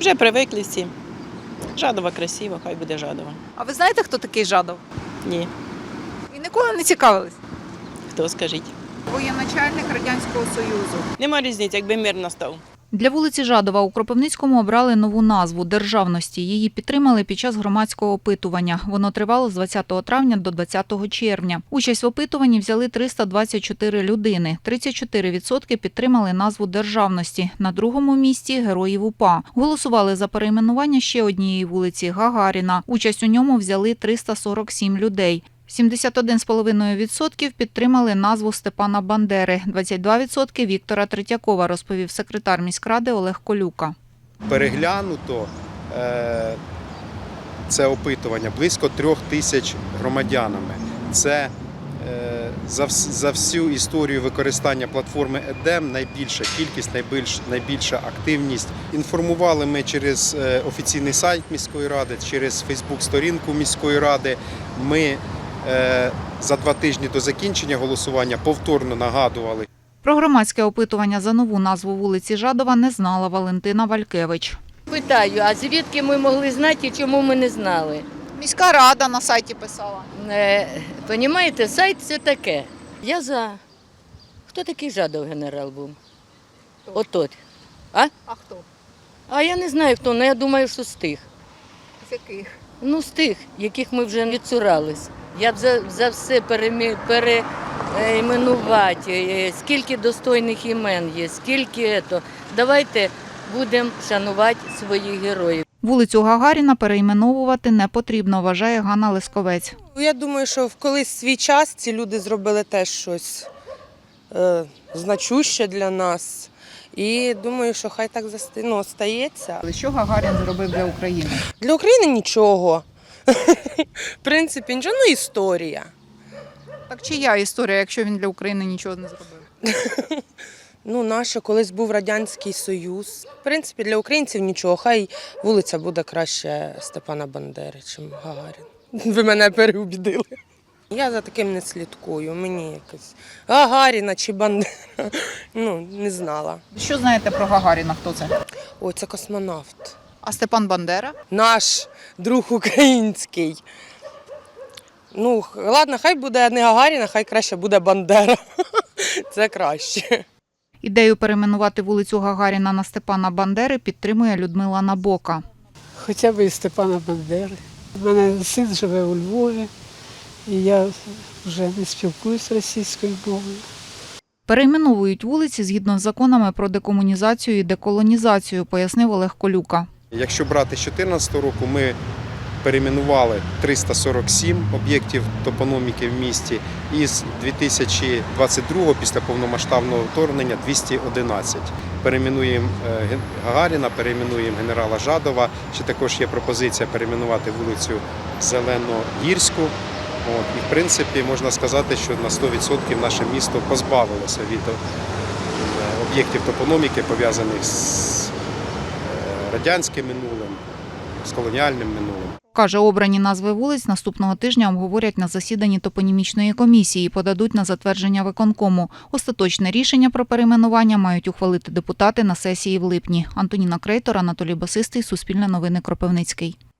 Вже привикли всі. Жадова красиво, хай буде Жадова. А ви знаєте, хто такий Жадов? Ні, І ніколи не цікавились? хто скажіть. Воєначальник Радянського Союзу. Нема різниці, якби мир настав. Для вулиці Жадова у Кропивницькому обрали нову назву – Державності. Її підтримали під час громадського опитування. Воно тривало з 20 травня до 20 червня. Участь в опитуванні взяли 324 людини. 34% підтримали назву Державності. На другому місці – Героїв УПА. Голосували за перейменування ще однієї вулиці – Гагаріна. Участь у ньому взяли 347 людей. 71,5% підтримали назву Степана Бандери, 22% – Віктора Третьякова, розповів секретар міськради Олег Колюка. Переглянуто це опитування близько 3 тисяч громадянами. Це за всю історію використання платформи ЕДЕМ найбільша кількість, найбільша активність. Інформували ми через офіційний сайт міської ради, через Фейсбук-сторінку міської ради. Ми за 2 тижні до закінчення голосування повторно нагадували. Про громадське опитування за нову назву вулиці Жадова не знала Валентина Валькевич. Питаю, а звідки ми могли знати і чому ми не знали? Міська рада на сайті писала. Понімаєте, сайт це таке. Я за. Хто такий Жадов генерал був? Отот. А хто? А я не знаю хто, але я думаю, що з тих. З яких? Ну, з тих, яких ми вже відцурались. Я б за все перейменувати, скільки достойних імен є, скільки то. Давайте будемо шанувати своїх героїв. Вулицю Гагаріна перейменовувати не потрібно, вважає Ганна Лесковець. Я думаю, що в колись свій час ці люди зробили теж щось значуще для нас. І думаю, що хай так стається. Що Гагарін зробив для України? Для України нічого. В принципі, нічого, ну історія. Так чия історія, якщо він для України нічого не зробив? Ну, наша, колись був Радянський Союз. В принципі, для українців нічого. Хай вулиця буде краще Степана Бандери, ніж Гагарін. Ви мене переубідили. Я за таким не слідкую. Мені якось Гагаріна чи Бандера, не знала. Що знаєте про Гагаріна, хто це? Ой, це космонавт. А Степан Бандера? Наш друг український. Ну, ладно, хай буде не Гагаріна, хай краще буде Бандера. Це краще. Ідею перейменувати вулицю Гагаріна на Степана Бандери підтримує Людмила Набока. Хоча б і Степана Бандери. У мене син живе у Львові, і я вже не спілкуюся російською мовою. Перейменовують вулиці згідно з законами про декомунізацію і деколонізацію, пояснив Олег Колюка. Якщо брати з 2014 року, ми перейменували 347 об'єктів топономіки в місті, і з 2022 після повномасштабного вторгнення 211. Перейменуємо Гагаріна, перейменуємо генерала Жадова. Ще також є пропозиція перейменувати вулицю Зеленогірську. І, в принципі, можна сказати, що на 100% наше місто позбавилося від об'єктів топономіки, пов'язаних з радянським минулим, з колоніальним минулим. Каже, обрані назви вулиць наступного тижня обговорять на засіданні топонімічної комісії і подадуть на затвердження виконкому. Остаточне рішення про перейменування мають ухвалити депутати на сесії в липні. Антоніна Крейтор, Анатолій Басистий, Суспільне новини, Кропивницький.